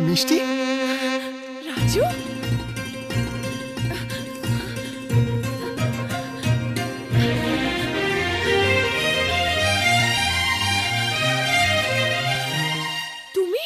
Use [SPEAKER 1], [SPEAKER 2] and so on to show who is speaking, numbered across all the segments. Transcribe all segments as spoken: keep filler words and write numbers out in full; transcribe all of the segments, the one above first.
[SPEAKER 1] মিষ্টি,
[SPEAKER 2] রাজু, তুমি?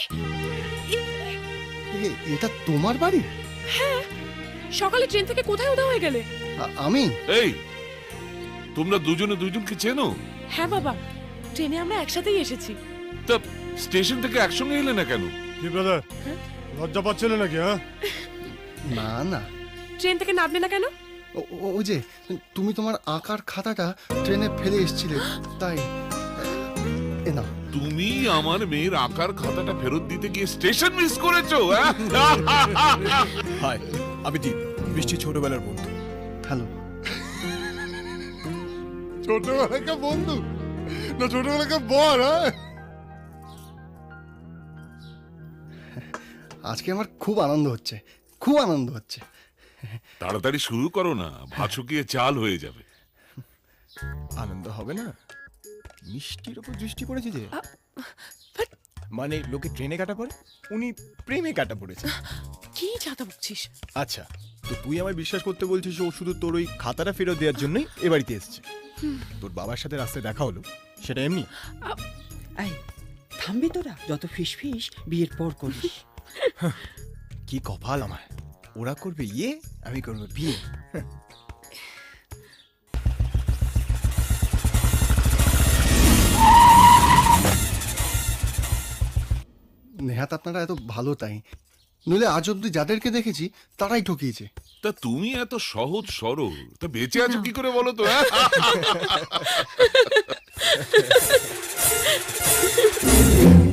[SPEAKER 1] এ- এটা তোমার বাড়ি?
[SPEAKER 2] হ্যাঁ, সকালে ট্রেন থেকে কোথায় উদা হয়ে গেলে?
[SPEAKER 1] আ- আমি
[SPEAKER 3] এই, তোমরা দুজনে দুজনকে চেনো?
[SPEAKER 2] হ্যাঁ বাবা, ট্রেনে আমরা একসাথেই এসেছি।
[SPEAKER 3] তা স্টেশন থেকে একসঙ্গে এলে না কেন?
[SPEAKER 4] কি ব্রাদার, লজ্জা পাচ্ছিলে নাকি? হ্যাঁ,
[SPEAKER 1] না না,
[SPEAKER 2] ট্রেন থেকে নামলে না কেন?
[SPEAKER 1] ও- ও- ওই যে তুমি তোমার আঁকার খাতাটা ট্রেনে ফেলে এসেছিলে, তাই এ না।
[SPEAKER 3] তুমি আমার মেয়ের আঁকার খাতাটা ফেরত দিতে গিয়ে স্টেশন মিস করেছো? হ্যাঁ?
[SPEAKER 5] হাই, আমি দীপ, মিষ্টি ছোটবেলার বন্ধু।
[SPEAKER 1] হ্যালো।
[SPEAKER 4] ছোটবেলাকার বন্ধু না ছোটবেলাকার বর? হ্যাঁ,
[SPEAKER 1] আজকে আমার খুব আনন্দ হচ্ছে, খুব আনন্দ হচ্ছে।
[SPEAKER 3] তাড়াতাড়ি শুরু করো না, ভাত শুকিয়ে চাল হয়ে যাবে।
[SPEAKER 5] আনন্দ হবে না? মিষ্টির ওপর দৃষ্টি পড়েছে যে,
[SPEAKER 2] বাট
[SPEAKER 5] মানে লোকে ট্রেনে কাটা পড়ে, উনি প্রেমে কাটা পড়েছে।
[SPEAKER 2] কি চাতা বকছিস?
[SPEAKER 5] আচ্ছা, তো তুই আমায় বিশ্বাস করতে বলছিস ও শুধু তোর ওই খাতাটা ফেরত দেওয়ার জন্যই এ বাড়িতে এসছে? তোর বাবার সাথে রাস্তায় দেখা হলো, সেটা এমনি?
[SPEAKER 6] এই থামবি তোরা? যত ফিস ফিস বিয়ের পর করিস।
[SPEAKER 5] কি কপাল আমার, ওরা করবে ইয়ে, আমি করবো বিয়ে।
[SPEAKER 1] নেহাত আপনারা এত ভালো তাই, নইলে আজ অব্দি যাদেরকে দেখেছি তারাই ঠকিয়েছে।
[SPEAKER 3] তা তুমি এত সহজ সরল, তা বেঁচে আছো কি করে বলো তো? হ্যাঁ?